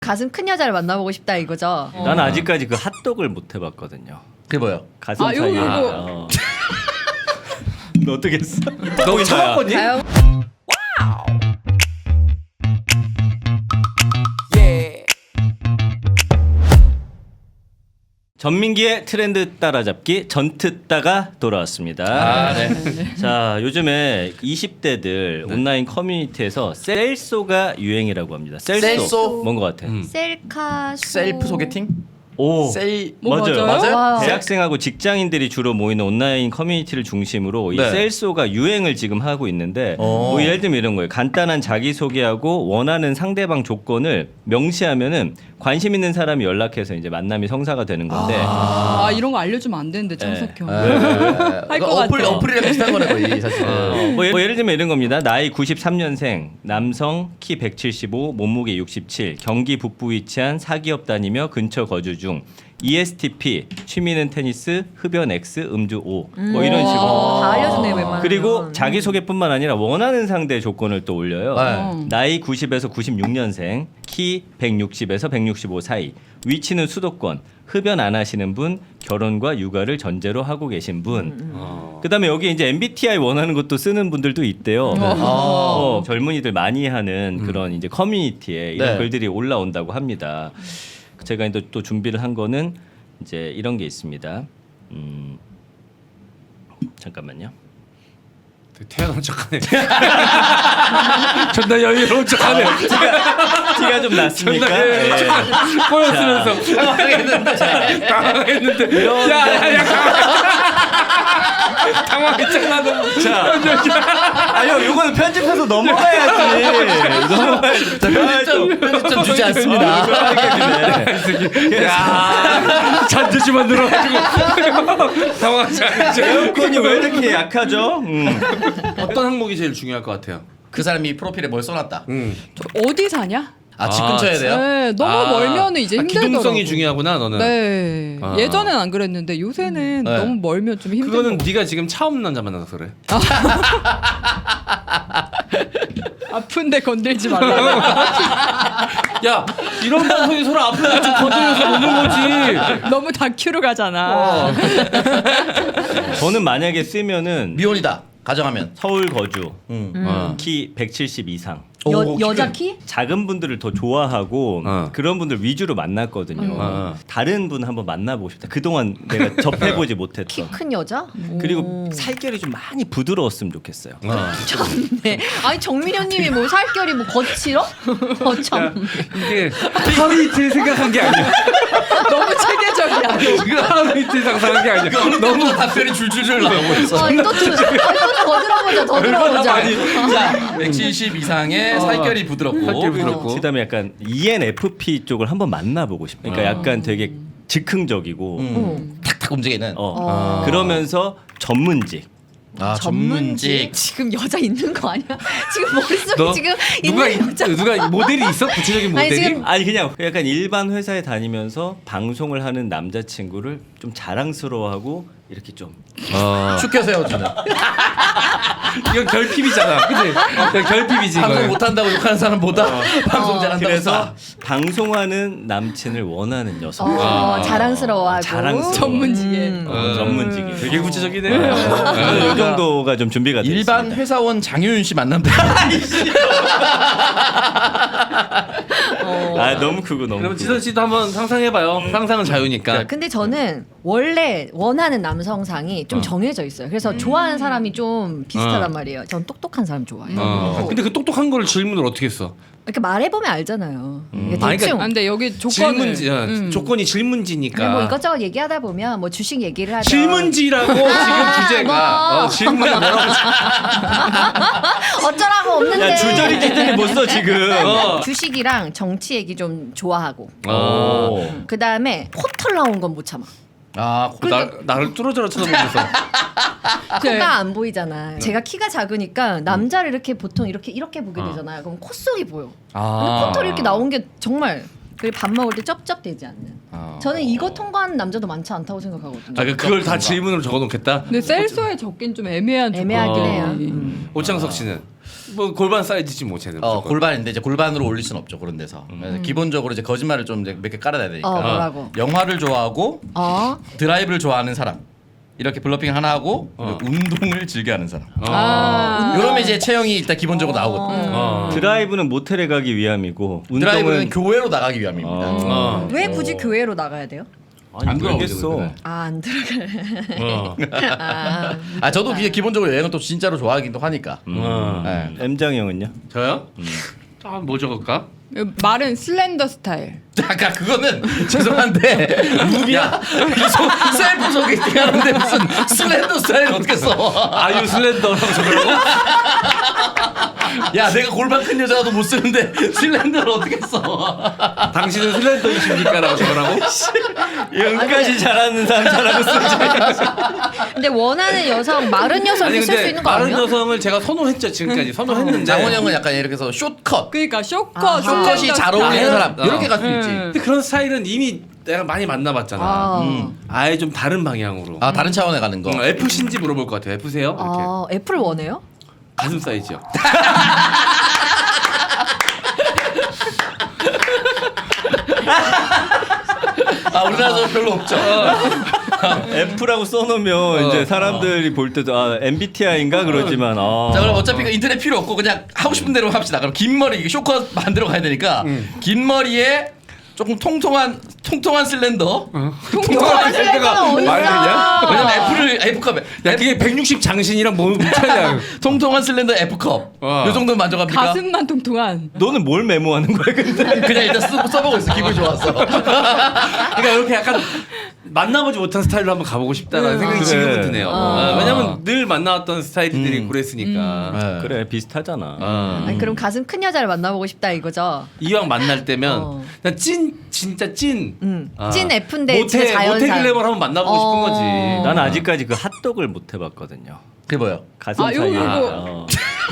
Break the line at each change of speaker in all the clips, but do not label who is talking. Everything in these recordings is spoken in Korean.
가슴 큰 여자를 만나보고 싶다 이거죠.
난 아직까지 그 핫도그를 못 해봤거든요.
그게 뭐요?
가슴
아,
사이에.
요거.
너 어떻게 했어?
너 참았거니?
다영
전민기의 트렌드 따라잡기 전트따가 돌아왔습니다.
아, 네.
자, 요즘에 20대들 온라인 커뮤니티에서 셀소가 유행이라고 합니다.
셀소?
뭔 것 같아?
셀카
셀프 소개팅?
오,
셀
맞아요.
맞아요?
와우.
대학생하고 직장인들이 주로 모이는 온라인 커뮤니티를 중심으로 이
네.
셀소가 유행을 지금 하고 있는데
오.
뭐 예를 들면 이런 거예요. 간단한 자기소개하고 원하는 상대방 조건을 명시하면은 관심 있는 사람이 연락해서 이제 만남이 성사가 되는 건데
아 이런 거 알려주면 안 되는데 창석형.
할
것 같아.
어플이랑 비슷한 거네 거의 사실은.
뭐 예를 들면 이런 겁니다. 나이 93년생, 남성, 키 175, 몸무게 67, 경기 북부 위치한 사기업 다니며 근처 거주 중, ESTP, 취미는 테니스, 흡연 X, 음주 O, 뭐 이런 식으로.
다 알려주네 웬만하면.
그리고 자기소개뿐만 아니라 원하는 상대 조건을 또 올려요.
네.
나이 90에서 96년생, 키 160에서 165 사이, 위치는 수도권, 흡연 안 하시는 분, 결혼과 육아를 전제로 하고 계신 분. 그다음에 여기 이제 MBTI 원하는 것도 쓰는 분들도 있대요. 젊은이들 많이 하는 그런 이제 커뮤니티에 이런
네.
글들이 올라온다고 합니다. 제가 또 준비를 한 거는 이제 이런 게 있습니다. 잠깐만요.
태어난 척하네. 존나 여유로운 척하네.
티가 좀 났습니까?
존나 여유로운
예.
척하네. 꼬였으면서 당황했는데. 야야야. 당황했잖아 너.
자, 아니요, 이거는 편집해서 넘어가야지. 넘어가야지.
편집점 주지 않습니다.
야 잔재주만 늘어가지고 당황하지 않죠.
에어컨이 왜 이렇게 약하죠?
어떤 항목이 제일 중요할 것 같아요?
그 사람이 프로필에 뭘 써놨다.
어디 사냐?
아, 집 근처에 돼요?
네, 너무 멀면은 이제 힘들더라고.
기동성이 중요하구나 너는.
네.
아.
예전엔 안 그랬는데 요새는
네.
너무 멀면 좀 힘든
그거는
거.
네가 지금 차 없는 남자 만나서 그래.
아픈데 건들지 말라고.
야 이런 방송이 서로 아픈 거좀 건드려서 노는 거지.
너무 다큐로 가잖아.
저는 만약에 쓰면은
미혼이다. 가정하면.
서울 거주,
어.
키 170 이상.
여자 키?
작은 분들을 더 좋아하고 그런 분들 위주로 만났거든요. 다른 분 한번 만나보고 싶다. 그동안 내가 접해보지
키
못했던.
큰 여자?
그리고 살결이 좀 많이 부드러웠으면 좋겠어요.
네. 아니 정민현님이 뭐 살결이 뭐 거칠어? 참.
이게 하루 이틀 생각한 게 아니야.
너무 체계적이야.
지금 하루 이틀 상상한 게 아니야.
너무 답변이 줄줄줄 나오고 있어.
또 들어보자. 더 들어보자.
자, 170 이상의 살결이 부드럽고.
살결 부드럽고.
그다음에 약간 ENFP 쪽을 한번 만나보고 싶어요. 그러니까 약간 되게 즉흥적이고
탁탁 움직이는.
그러면서 전문직.
아, 전문직.
지금 여자 있는 거 아니야? 지금 머릿속에
너
지금
누가
있는 여자.
누가 모델이 있어? 구체적인
아니,
모델이?
지금
아니 그냥 약간 일반 회사에 다니면서 방송을 하는 남자친구를 좀 자랑스러워하고 이렇게 좀
축혀 세워주는.
이건 결핍이잖아, 그치? 결핍이지
방송
이거.
못한다고 욕하는 사람보다 방송 잘한다고.
그래서 방송하는 남친을 원하는 여성.
자랑스러워하고
자랑스러워.
전문직에.
전문직이.
되게 구체적이네.
이 정도가 좀 준비가 돼
일반
있습니다.
회사원 장효윤 씨 만나면 돼.
아 너무 크고 너무.
그럼
크고.
지선 씨도 한번 상상해봐요. 상상은 자유니까.
근데 저는 원래 원하는 남성상이 좀 정해져 있어요. 그래서 좋아하는 사람이 좀 비슷하단 말이에요. 전 똑똑한 사람 좋아해요.
근데 그 똑똑한 거를 질문을 어떻게 했어?
이렇게 말해보면 알잖아요. 이게
아니,
대충.
아, 근데 여기 조건을
질문지, 조건이 질문지니까.
뭐 이것저것 얘기하다 보면 뭐 주식 얘기를 하죠.
질문지라고 지금 주제가 질문이 뭐라고?
어쩌라고 없는데.
야 주저리 기준이 못 써 지금.
주식이랑 정치 얘기 좀 좋아하고.
오.
그 다음에 포털 나온 건 못 참아.
아,
나를 뚫어져라 쳐다보면서.
코가 안 보이잖아. 제가 키가 작으니까 남자를 이렇게 보통 이렇게 보게 되잖아요. 그럼 콧속이 보여. 근데 포털이 이렇게 나온 게 정말 그리고 밥 먹을 때 쩝쩝대지 않는. 저는 이거 통과하는 남자도 많지 않다고 생각하거든요.
아, 그걸 다 질문으로 적어놓겠다.
근데 셀소에 적긴 좀 애매한
애매하긴
조건이.
해요.
오창석 씨는 뭐 골반 사이즈지 뭐 쟤는. 무조건.
골반인데 이제 골반으로 올릴 수는 없죠 그런 데서. 그래서 기본적으로 이제 거짓말을 좀 몇 개 깔아놔야 되니까.
뭐라고?
영화를 좋아하고 드라이브를 좋아하는 사람. 이렇게 블러핑 하나 하고 운동을 즐겨하는 사람. 이러면 이제 체형이 일단 기본적으로 나오거든요.
드라이브는 모텔에 가기 위함이고
드라이브는
운동은
교회로 나가기 위함입니다.
왜 굳이 교회로 나가야 돼요?
안 들어겠어.
안 들어가.
저도 기본적으로 여행은 또 진짜로 좋아하긴 또 하니까. 네.
M장 형은요?
저요? 뭐 적을까?
말은 슬렌더 스타일.
잠깐 그거는 죄송한데 무비야 셀프 소개팅 하는데 무슨 슬렌더 스타일 어떻게 써?
아유 슬렌더라고 적으라고?
야 내가 골반 큰 여자도 못 쓰는데 슬렌더를 어떻게 써?
당신은 슬렌더이십니까라고 적으라고?
여기까지 잘하는 사람 잘하고 쓰지.
근데 원하는 여성 마른 여성
아니
이렇게 쓸 수
근데
있는 거
마른
아니야?
여성을 제가 선호했죠 지금까지 선호했는데.
장원 형은 약간 이렇게 해서 숏컷
그러니까 쇼컷,
숏컷이 잘 어울리는 사람
어.
이렇게 갈 수 있지.
근데 그런 스타일은 이미 내가 많이 만나봤잖아. 아예 좀 다른 방향으로.
다른 차원에 가는 거.
F신지 물어볼 것 같아요. F세요? 이렇게
애플 원해요?
가슴 사이즈요.
우리나라도 별로 없죠.
F라고 써놓으면 이제 사람들이 볼 때도 MBTI인가 그러지만
자 그럼 어차피 인터넷 필요 없고 그냥 하고 싶은 대로 합시다. 그럼 긴 머리 이게 쇼컷 만들어 가야 되니까 긴 머리에 조금 통통한 슬렌더.
통통한 슬렌더가 어디 있어?
왜냐면 F컵에
야 그게 160 장신이랑 뭐 차이야.
통통한 슬렌더 F컵. 요 정도는 만족합니까?
가슴만 통통한.
너는 뭘 메모하는 거야 근데?
그냥 일단 써보고 있어. 기분이 좋았어.
그러니까 이렇게 약간 만나보지 못한 스타일로 한번 가보고 싶다는 생각이
그래.
지금은 드네요. 왜냐면 늘 만나왔던 스타일들이 그랬으니까.
네.
그래 비슷하잖아.
아니, 그럼 가슴 큰 여자를 만나보고 싶다 이거죠?
이왕 만날 때면 그냥 진짜 찐.
찐 F인데 진짜 자연산.
모태 글래머를 한번 만나보고 싶은 거지.
난 아직까지 그 핫도그를 못 해봤거든요.
그게 뭐요?
가슴
요거,
사이에.
요거.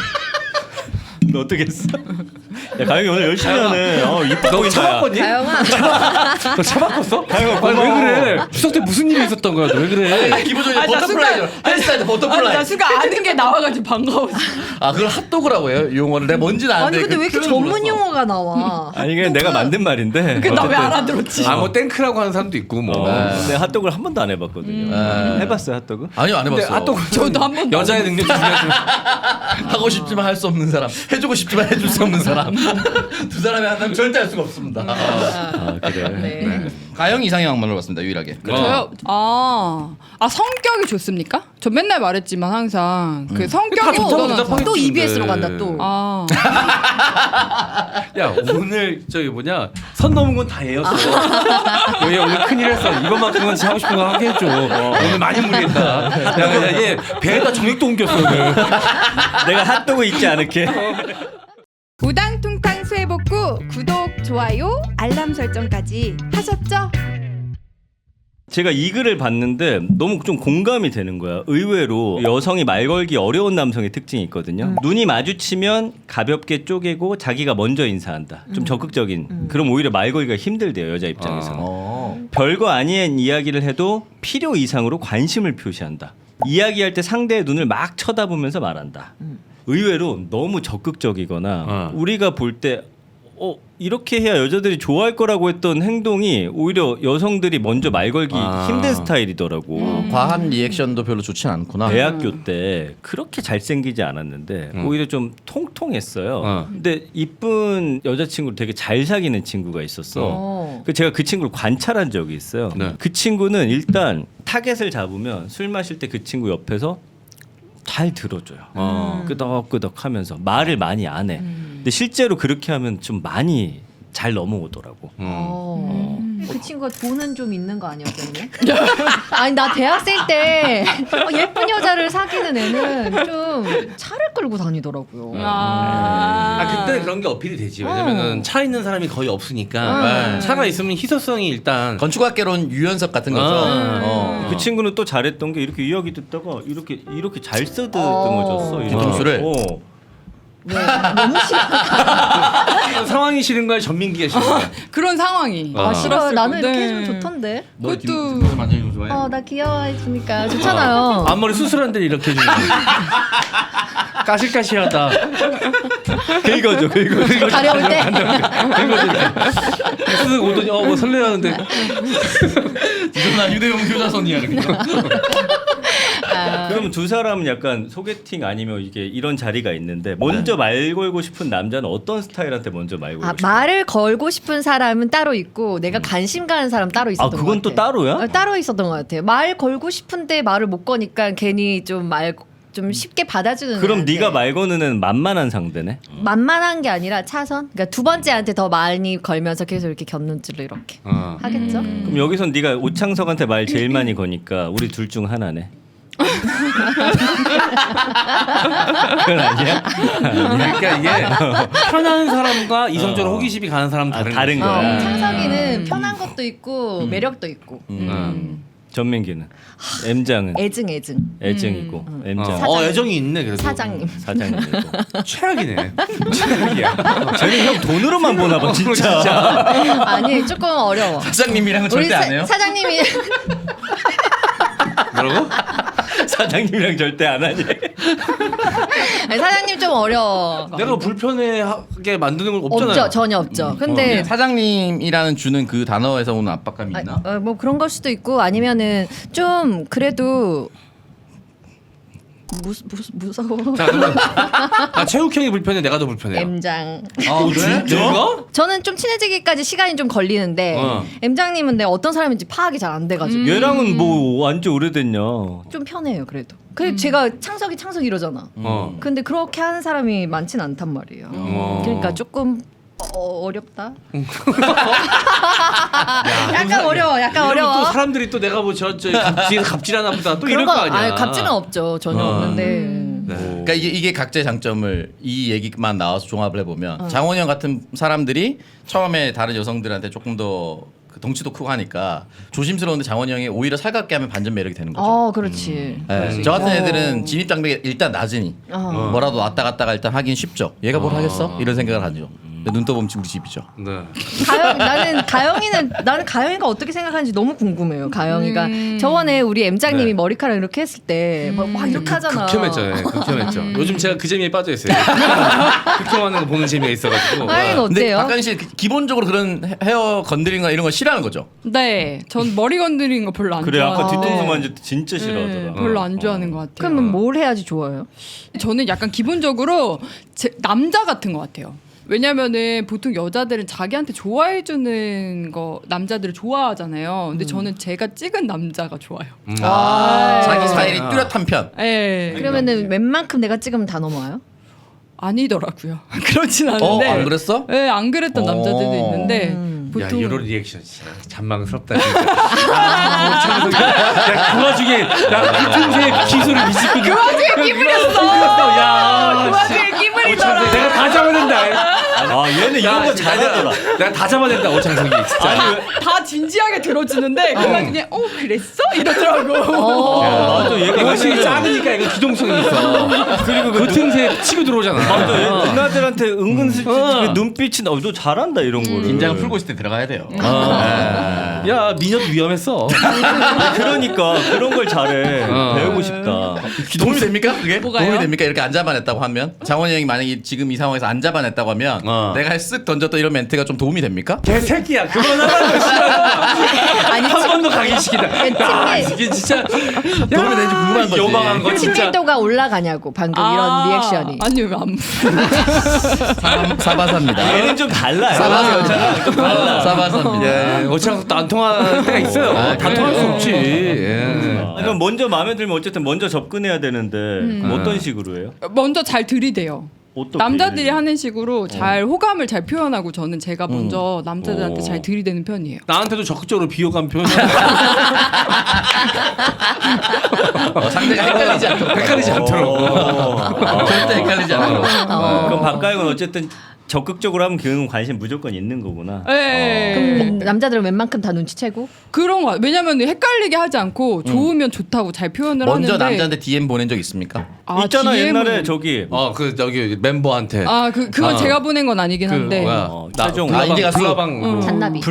너 어떻게 했어? 야 가영이 오늘 열심히 하네. 이뻐
너
보인다. 야.
참았거니?
가영아.
너 차 바꿨어?
가영아
아니, 왜
고마워.
그래? 추석 때 무슨 일이 있었던 거야? 너 왜 그래?
기본적으로
아니, 나
버터플라이죠.
순간-
헬스타일
아니
버터플라이.
나 순간 아는 게 나와가지고 반가웠어.
그걸 핫도그라고 해요? 이 용어를 내가 뭔지는
아니
아는데
근데 왜 이렇게
표현을
전문
몰랐어.
용어가 나와?
아니 그냥 내가 만든 말인데.
그 나 왜 알아들었지?
뭐 땡크라고 하는 사람도 있고 뭐.
내가 핫도그를 한 번도 안 해봤거든요. 해봤어요 핫도그?
아니요 안 해봤어.
핫도그
저도 한 번도
여자의 능력 중요하지.
하고 싶지만 할 수 없는 사람, 해주고 싶지만 해줄 수 없는 사람. 두 사람이 한다면 절대 할 수가 없습니다.
그래.
네.
가영 이상형만 물어봤습니다 유일하게.
저요? 성격이 좋습니까? 저 맨날 말했지만 항상 그
다
성격이
좋다고
우선하죠.
대답하겠지.
또
근데.
EBS로 간다 또.
야 오늘 저기 뭐냐 선 넘은 건 다 얘였어. 얘 오늘 큰일 했어. 이것만큼은 진짜 하고 싶은 거 하게 해줘. 오늘 많이 무리했다. 야얘 배에다 정액도 옮겼어 오늘.
내가 핫도그 잊지 않을게.
우당퉁탕 수해복구 구독, 좋아요, 알람 설정까지 하셨죠?
제가 이 글을 봤는데 너무 좀 공감이 되는 거야. 의외로 여성이 말 걸기 어려운 남성의 특징이 있거든요. 눈이 마주치면 가볍게 쪼개고 자기가 먼저 인사한다. 좀 적극적인. 그럼 오히려 말 걸기가 힘들대요 여자 입장에서는. 별거 아닌 이야기를 해도 필요 이상으로 관심을 표시한다. 이야기할 때 상대의 눈을 막 쳐다보면서 말한다. 의외로 너무 적극적이거나 우리가 볼 때 이렇게 해야 여자들이 좋아할 거라고 했던 행동이 오히려 여성들이 먼저 말 걸기 힘든 스타일이더라고.
과한 리액션도 별로 좋진 않구나.
대학교 때 그렇게 잘생기지 않았는데 오히려 좀 통통했어요. 근데 이쁜 여자친구를 되게 잘 사귀는 친구가 있었어. 제가 그 친구를 관찰한 적이 있어요.
네.
그 친구는 일단 타겟을 잡으면 술 마실 때 그 친구 옆에서 잘 들어줘요. 끄덕끄덕 하면서 말을 많이 안 해. 근데 실제로 그렇게 하면 좀 많이 잘 넘어오더라고.
그 친구가 돈은 좀 있는 거 아니었겠네? 아니 나 대학생 때 예쁜 여자를 사귀는 애는 좀 차를 끌고 다니더라고요.
그때 그런 게 어필이 되지. 왜냐면은 차 있는 사람이 거의 없으니까 차가 있으면 희소성이 일단
건축학개론 유연석 같은 거죠.
그 친구는 또 잘했던 게 이렇게 이야기 듣다가 이렇게 잘 쓰다듬어줬어.
뒤통수를?
너무 싫어.
상황이 싫은 거야 전민기가 싫은 거야.
그런 상황이.
싫어. 나는 이렇게
네.
해주면 좋던데.
너
그것도-
뒤통수 만지는 거 좋아해?
나 귀여워해주니까 좋잖아요.
앞머리 수술한 데 이렇게 해주는 거. 까실까실하다.
긁어줘.
가려울 때.
쓱 오더니 뭐 설레하는데
나 유대용 교자선이야 이렇게.
그럼 두 사람은 약간 소개팅 아니면 이게 이런 자리가 있는데 먼저 말 걸고 싶은 남자는 어떤 스타일한테 먼저 말 걸고 싶어?
말을 걸고 싶은 사람은 따로 있고 내가 관심 가는 사람 따로 있었던 것 같아요.
그건 또 따로야?
따로 있었던 것 같아요. 말 걸고 싶은데 말을 못 거니까 괜히 좀 쉽게 받아주는.
그럼
애한테.
네가 말 거는 애는 만만한 상대네.
만만한 게 아니라 차선. 그러니까 두 번째한테 더 많이 걸면서 계속 이렇게 곁눈질로 이렇게 하겠죠.
그럼 여기선 네가 오창석한테 말 제일 많이 거니까 우리 둘 중 하나네. 그건 아니야?
그러니까 이게 편한 사람과 이성적으로 호기심이 가는 사람은 다른
다른
거지.
거야.
창석이는 편한 것도 있고 매력도 있고
전민기는 M장은 애증이고 M장
애정이 있네 그래도.
사장님.
사장님이고
최악이네. 최악이야.
쟤는 형 돈으로만 보나 봐 진짜.
아니 조금 어려워.
사장님이랑은
우리
절대 안 해요?
사장님이
뭐라고?
사장님이랑 절대 안 하지.
아니, 사장님 좀 어려워.
내가 불편하게 만드는 건 없잖아요.
없죠, 전혀 없죠. 근데
사장님이라는 주는 그 단어에서 오는 압박감이 있나?
뭐 그런 걸 수도 있고 아니면은 좀 그래도 무서워.
자 그러면 체육 형이 불편해, 내가 더 불편해.
M장.
그래?
내가?
저는 좀 친해지기까지 시간이 좀 걸리는데 M장님은 내가 어떤 사람인지 파악이 잘 안 돼가지고
얘랑은 뭐 완전 오래됐냐.
좀 편해요 그래도. 근데 제가 창석이 이러잖아. 근데 그렇게 하는 사람이 많진 않단 말이에요. 그러니까 조금 어렵다. 약간 어려워.
이러면 또 사람들이 또 내가 뭐 저 갑질하나 보다 또 이럴 거 아니야.
아니, 갑질은 없죠. 전혀 없는데.
그러니까 이게 각자의 장점을 이 얘기만 나와서 종합을 해보면 장원영 같은 사람들이 처음에 다른 여성들한테 조금 더 그 덩치도 크고 하니까 조심스러운데 장원영이 오히려 살갑게 하면 반전 매력이 되는 거죠.
그렇지.
네. 저 같은 애들은 진입 장벽이 일단 낮으니 뭐라도 왔다 갔다가 일단 하긴 쉽죠. 얘가 뭘 하겠어? 이런 생각을 하죠. 근데 눈 떠보면 우리 집이죠.
네.
나는 가영이가 어떻게 생각하는지 너무 궁금해요. 가영이가 저번에 우리 M장님이
네.
머리카락 이렇게 했을 때 막 이렇게 하잖아.
극혐했죠. 요즘 제가 그 재미에 빠져 있어요. 극혐하는 거 보는 재미가 있어가지고.
가영이는
근데
어때요?
박가인 씨 기본적으로 그런 헤어 건드리는 거 이런 거 싫어하는 거죠?
네, 전 머리 건드리는 거 별로 안
그래
좋아해요.
아까 뒤통수 만질 때 진짜 싫어하더라.
별로 안 좋아하는 것 같아요.
그러면 뭘 해야지 좋아요?
저는 약간 기본적으로 남자 같은 것 같아요. 왜냐면은 보통 여자들은 자기한테 좋아해주는 거 남자들을 좋아하잖아요. 근데 저는 제가 찍은 남자가 좋아요.
자기 스타일이 뚜렷한 편.
예.
그러면은 웬만큼 내가 찍으면 다 넘어와요?
아니더라고요. 그렇진 않은데.
안 그랬어?
네, 안 그랬던 남자들도 있는데
야
보통
이런 리액션 진짜 잔망스럽다. 그 와중에 나 틈새 기술을 미치고 그 와중에 끼부렸어. 야, 그 와중에 끼부리더라. 내가 다 잡아낸다.
얘는 이런 거 잘하더라.
내가 다 잡아낸다 오창석이 진짜.
다 진지하게 들어주는데 그 와중에 그랬어? 이러더라고.
맞아 얘가
훨씬 작으니까 이거 기동성이 있어. 그리고 그 틈새 치고 들어오잖아.
맞아 얘 누나들한테 은근슬쩍 눈빛이 너 잘한다 이런 거를.
긴장을 풀고 있을 때 들어가야 돼요.
야 미녀도 위험했어.
그러니까 그런 걸 잘해. 배우고 싶다.
도움이 됩니까? 그게?
뭐가요?
도움이 됩니까? 이렇게 안 잡아냈다고 하면 장원이 형이 만약에 지금 이 상황에서 안 잡아냈다고 하면 내가 쓱 던졌던 이런 멘트가 좀 도움이 됩니까?
개새끼야 그만하라고.
아니
한 번 더 가기 시키다. 야 이게 진짜
도움이 되는지 궁금한 거지.
요망한 거 진짜.
친밀도가 올라가냐고 방금 이런 리액션이.
아니 왜안
사바사입니다.
얘는 좀 달라.
사바사.
좀 달라.
사바사입니다.
예, 오창석도 안 통할 때가 있어요. 다 통할 수 없지. 예.
그럼 먼저 마음에 들면 어쨌든 먼저 접근해야 되는데 그럼 어떤 식으로 해요?
먼저 잘 들이대요.
어떻게?
남자들이 하는 식으로 잘 호감을 잘 표현하고 저는 제가 먼저 남자들한테 잘 들이대는 편이에요.
나한테도 적극적으로 비호감 표현.
상대가 헷갈리지 않도록.
헷갈리지 않도록.
절대 헷갈리지 않도록.
그럼 박가영은 어쨌든 적극적으로 하면 그는 관심 무조건 있는 거구나.
네.
남자들은 웬만큼 다 눈치채고.
그런 거 왜냐면 헷갈리게 하지 않고 좋으면 좋다고 잘 표현을
먼저
하는데
남자한테 DM 보낸 적 있습니까?
있잖아
DM은
옛날에 저기
그 저기 멤버한테
그건
아.
제가 보낸 건 아니긴 한데
뭐야
최종
인디 가수.
불나방
잔나비.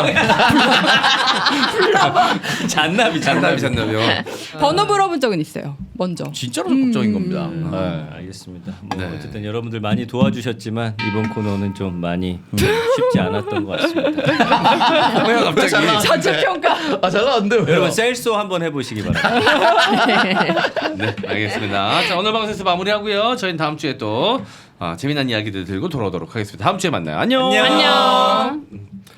잔나비요.
번호 물어본 적은 있어요. 먼저.
진짜로 적극적인 겁니다.
네, 알겠습니다. 뭐
네.
어쨌든 여러분들 많이 도와주셨지만 이번 코너는 좀 많이 쉽지 않았던 것 같습니다.
왜요 갑자기?
자체 평가.
잘 나왔는데 왜요?
여러분 셀소 한번 해보시기 바랍니다.
네, 알겠습니다. 자, 오늘 방송에서 마무리하고요. 저희는 다음 주에 또 재미난 이야기들 들고 돌아오도록 하겠습니다. 다음 주에 만나요. 안녕.
안녕.
안녕.